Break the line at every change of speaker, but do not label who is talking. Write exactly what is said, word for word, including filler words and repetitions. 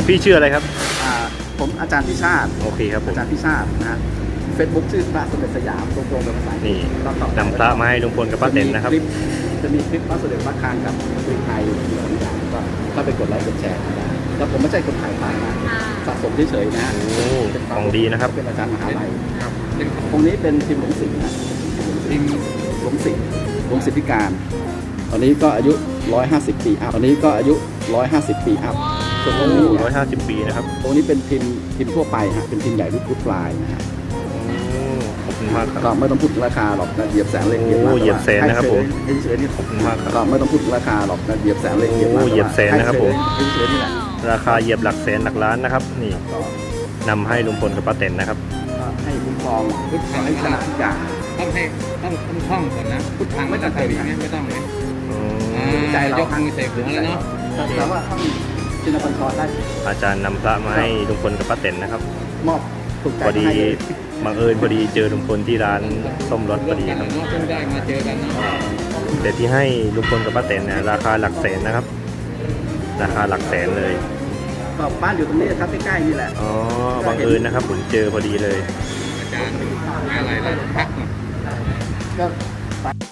พี่ชื่ออะไรครับ
อ่าผมอาจารย์พิชาติ
โอเคครับผม
อาจารย์พิชาตินะฮะเฟซบุ๊กชื่อพระสมเด็จสยามตรงๆเป็นภาษาอังกฤษ
นี่
ก็ต่อไป
นำพระมาให้ลุงพลกับป้าเต็นนะครับ
จะมีคลิปพระสมเด็จพระคางกับคลิปไทยอยู่สองอย่างก็ถ้าไปกดไลค์กดแชร์ได้แล้วผมไม่ใช่คนขายพระนะสะสมเฉยๆนะ
โอ้ของดีนะครับ
เป็นอาจารย์มหาลัย
ครับเป็น
องค์นี้เป็นพิมพ์หลวงสิงห์นะ
พิมพ์
หลวงสิงห์หลวงสิทธิการ ตอนนี้ก็อายุร้อยห้าสิบปีอัพตอนนี้ก็อายุร้อยห้าสิบปีอัพส่วนองค์นี้
ร้อยห้าสิบปีนะครับ
องค์นี้เป็นพิมพ์พิมพ์ทั่วไปฮะเป็นพิมพ์ใหญ่รูปรูปปลายนะฮะ
ขอบคุณมากค
ก็
รับ
ไม่ต้องพูดถึงราคาหรอกนะเหยียบแสนเลยเหยียบ
โอ้
ล้าน
เหยียบแสนนะครับผม
ให้เฉยๆนี่
ขอบคุณมากครับ
ก็ไม่ต้องพูดถึงราคาหรอกนะเหยียบแสนเลยเหยียบล้าน
โอ้เหยียบแสนนะครับผม
ให้เฉยๆนี่แหละ
ราคาเหยียบหลักแสนหลักล้านนะครับ นี่
ก็
นำให้ลุงพลกับป้าเต็นนะครับ
ก็ให้คุ้มครองพุทธให้ชนะทุกอย่าง
ต้องให้ต้องต้องท่องก่อนนะพุทธังไม่ต้องทำอย่างนี้ไม่ต้องเลย
อื
อ่าม
ใจเรา
ยกมือใส่หัวแล้วเนาะ
แต่ว่าท่านชินบัญชรได้
อาจารย์นำพระมาให้ลุงพลกับป้าเต็นนะครับ
มอบถูกใจ
พอดี
ให้เลย
บังเอิญพอดีเจอลุงพลที่ร้านส้มรถพอดี
กัน
ครับ
เนาะเพิ่งได้มาเจอกันเนาะ
แต่ที่ให้ลุงพลกับป้าเต็นเนี่ยราคาหลักแสนนะครับ ราคาหลักแสนเลย
ก็บ้านอยู่ตรงนี้ครับใกล้ๆนี่แหละ
อ๋อบังเอิญนะครับผมเจอพอดีเลย
อาจารย์อะไรล่ะพักหน่อย
ก็